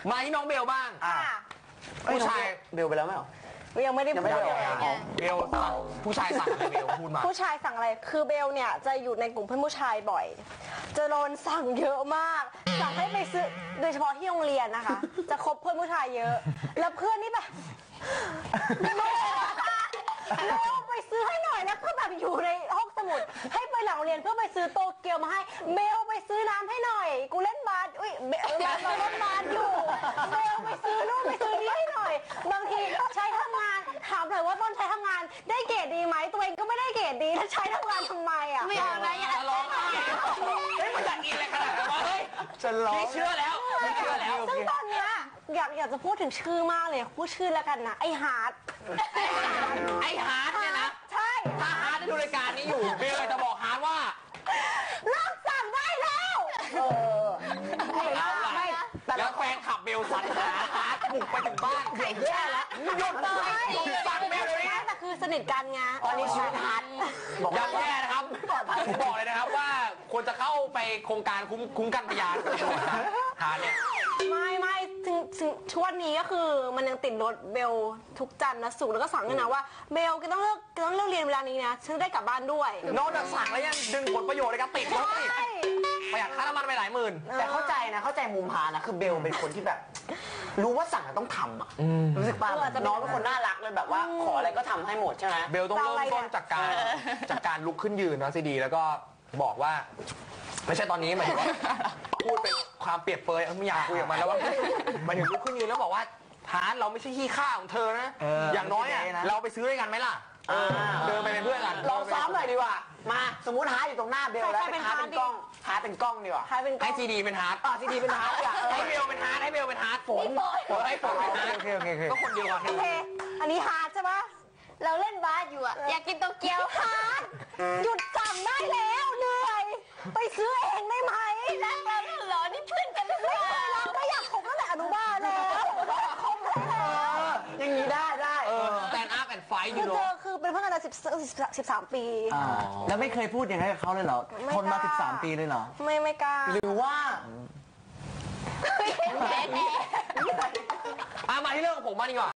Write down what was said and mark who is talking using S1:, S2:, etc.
S1: มาที่น้องเบลบ้างผู้ชาย
S2: เบลไปแล้วไหมหรอ
S3: ยังไม่ได้พูดเลย
S1: เบลสั่งผู้ชายสั่งอะไรเบลพูดมา
S3: ผู้ชายสั่งอะไรคือเบลเนี่ยจะอยู่ในกลุ่มเพื่อนผู้ชายบ่อยจะโดนสั่งเยอะมากสั่งให้ไปซื้อโดยเฉพาะที่โรงเรียนนะคะจะคบเพื่อนผู้ชายเยอะแล้วเพื่อนนี่แบบเราไปซื้อให้หน่อยแล้วก็แบบอยู่ในห้องสมุดให้ไปหลังเรียนเพื่อไปซื้อโตเกียวมาให้เบลไปซื้อน้ำให้หน่อยกูเล่นบาสอุ้ยเราเล่นบาสอยู่เบลไปซื้อนู่นไปซื้อนี่ให้หน่อยบางทีใช้ทำงานถามหน่อยว่าตอนใช้ทำงานได้เกรดดีไหมตัวเองก็ไม่ได้เกรดดีแล้วใช้ทำงานทำไมอ่ะ
S4: ไม่เอานะอย่า
S1: ร้องไห้เฮ้ยมันอยากกินอะไรขนาดนั้นวะเฮ้ย
S2: จะร้อง
S1: พี่เชื่อแล้ว
S3: ซึ่งตอนเนี้ยอยากจะพูดถึงชื่อมากเลยพูดชื่อแล้วกันนะไอฮาร์ด
S1: เนี่ยนะ
S3: ใช่
S1: ถ้าฮาร์ดดูรายการนี้อยู่เบลจะบอกฮาร์ดว่า
S3: เลิกสั่งได้แล้ว
S1: ไม่แล้วแฟนขับเบลสันหาฮาร์ดบุกไปถึงบ้าน
S3: แย่แล้ว
S1: หยุดเลยสั่งเบลเลยนะ
S3: แต่คือสนิทกันไง
S2: ตอนนี้ชีวิตฮาร์ด
S1: อย่าแย่นะครับผมบอกเลยนะครับว่าควรจะเข้าไปโครงการคุ้มกันพยานฮาร์ดเนี่ย
S3: ไม่ถึงช่วงนี้ก็คือมันยังติดรถเบลทุกจันทร์นะสุกแล้วก็สั่งด้วยนะว่าเบลก็ต้องเลิกเรียนเวลานี้นะฉันได้กลับบ้านด้วย
S1: นอกจากสั่งแล้วยังดึงผลประโยชน์ในการติดรถอีกประหยัดค่าน้ำมันไปหลายหมื่น
S2: แต่เข้าใจมุมฮานะคือเบลเป็นคนที่แบบรู้ว่าสั่งต้องทำอ่ะรู้สึกป่ะน้องเป็นคนน่ารักเลยแบบว่าขออะไรก็ทำให้หมดใช่ไหม
S1: เบลต้องเริ่มต้นจากการลุกขึ้นยืนนะซีดีแล้วก็บอกว่าไม่ใช่ตอนนี้หมายถึงว่าพูดเป็นความเปรียบเปรยไม่อยากคุยกับมันแล้วว่าหมายถึงลุกขึ้นยืนแล้วบอกว่าฮาร์ดเราไม่ใช่ขี้ข้าของเธอนะอย่างน้อยอ่ะเราไปซื้อด้วยกันไหมล่ะเดินไปเป็นเพื่อนกัน
S2: ลองซ้อมหน่อยดีกว่ามาสมมติฮาร์ดอยู่ตรงหน้าเบลแล้วฮาร์ดเป็นกล้องดีกว่า
S1: ให้ซีดีเป็นฮาร์ด
S2: ซีดีเป็นฮาร์ด
S1: ให้เบลเป็นฮาร์ดฝนให้ฝนเป็นฮาร์ดโอเคก็คนเดียวกัน
S3: โอเคอันนี้ฮาร์ดใช่ปะ
S4: เราเล่นบาสอยู่อะอยากกินโตเกียว
S3: ฮาร์ดหยุดสั่งได้แล้วเหนื่อยไปซื้อเองได้ไหม
S4: รักเราเหรอนี่เพื่อนกันหรือเปล่า
S3: ก็อยากคบตั้งแต่อนุบาลแล้วคบแล้ว
S2: อย่างนี้ได้
S1: แตนอัพแอนด์ไฟอยู่
S3: เจอคือเป็นเพื่อนกันมา13 ปี
S2: แล้วไม่เคยพูดอย่างนั้นกับเขาเลยเหรอทนมา13 ปีเลยเหรอ
S3: ไม่กล้า
S2: หรือว่า
S1: มาที่เรื่องของผมมาดีกว่า